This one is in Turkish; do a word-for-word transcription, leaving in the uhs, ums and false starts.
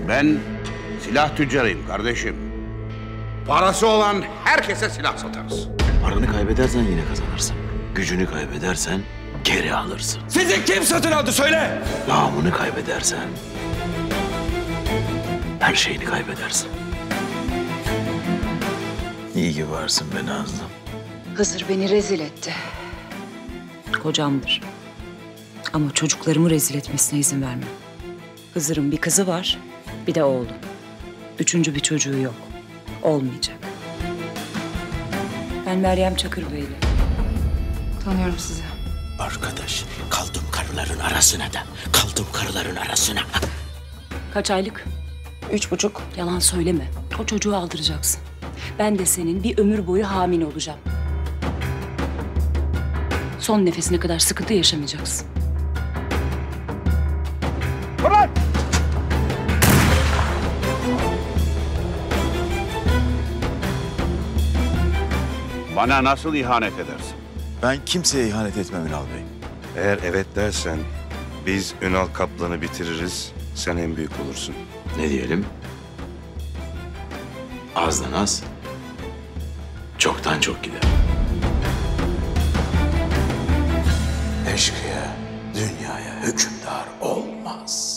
Ben silah tüccarıyım kardeşim. Parası olan herkese silah satarız. Paranı kaybedersen yine kazanırsın. Gücünü kaybedersen geri alırsın. Sizi kim satın aldı söyle! Namını kaybedersen her şeyini kaybedersin. İyi ki varsın be Nazlım. Hızır beni rezil etti. Kocamdır. Ama çocuklarımı rezil etmesine izin vermem. Hızır'ın bir kızı var, bir de oğlu. Üçüncü bir çocuğu yok. Olmayacak. Ben Meryem Çakırbeyli. Tanıyorum sizi. Arkadaş, kaldım karıların arasına da. Kaldım karıların arasına. Kaç aylık? Üç buçuk. Yalan söyleme. O çocuğu aldıracaksın. Ben de senin bir ömür boyu hamile olacağım. Son nefesine kadar sıkıntı yaşamayacaksın. Fırlat! Bana nasıl ihanet edersin? Ben kimseye ihanet etmem Ünal Bey. Eğer evet dersen biz Ünal Kaplan'ı bitiririz, sen en büyük olursun. Ne diyelim? Azdan az, çoktan çok gider. Eşkıya dünyaya hükümdar olmaz.